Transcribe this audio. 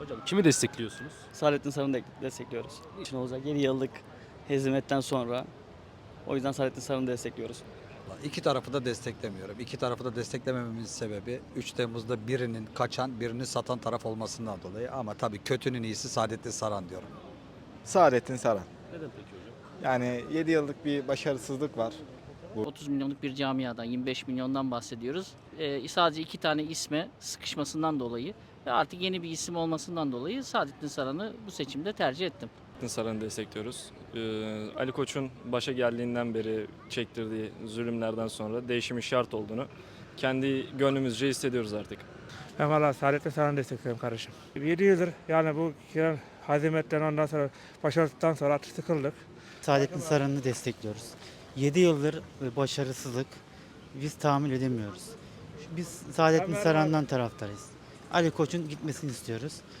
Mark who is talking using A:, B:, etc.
A: Hocam kimi destekliyorsunuz?
B: Saadettin Saran'ı destekliyoruz. İçin olacak 7 yıllık hezimetten sonra o yüzden Saadettin Saran'ı destekliyoruz.
C: İki tarafı da desteklemiyorum. İki tarafı da desteklemememin sebebi 3 Temmuz'da birinin kaçan, birini satan taraf olmasından dolayı. Ama tabii kötünün iyisi Saadettin Saran diyorum.
D: Saadettin Saran.
A: Neden peki hocam?
D: Yani 7 yıllık bir başarısızlık var.
E: 30 milyonluk bir camiadan 25 milyondan bahsediyoruz. Sadece iki tane isme sıkışmasından dolayı ve artık yeni bir isim olmasından dolayı Saadettin Saran'ı bu seçimde tercih ettim.
F: Saran'ı destekliyoruz. Ali Koç'un başa geldiğinden beri çektirdiği zulümlerden sonra değişimin şart olduğunu kendi gönlümüzce hissediyoruz artık.
G: Ben valla Saadettin Saran'ı destekliyorum kardeşim. 7 yıldır yani bu hazimetten ondan sonra başarısızlıktan sonra artık sıkıldık.
H: Saadettin Saran'ı destekliyoruz. 7 yıldır başarısızlık biz tahammül edemiyoruz. Biz Saadettin Saran'dan taraftarıyız. Ali Koç'un gitmesini istiyoruz.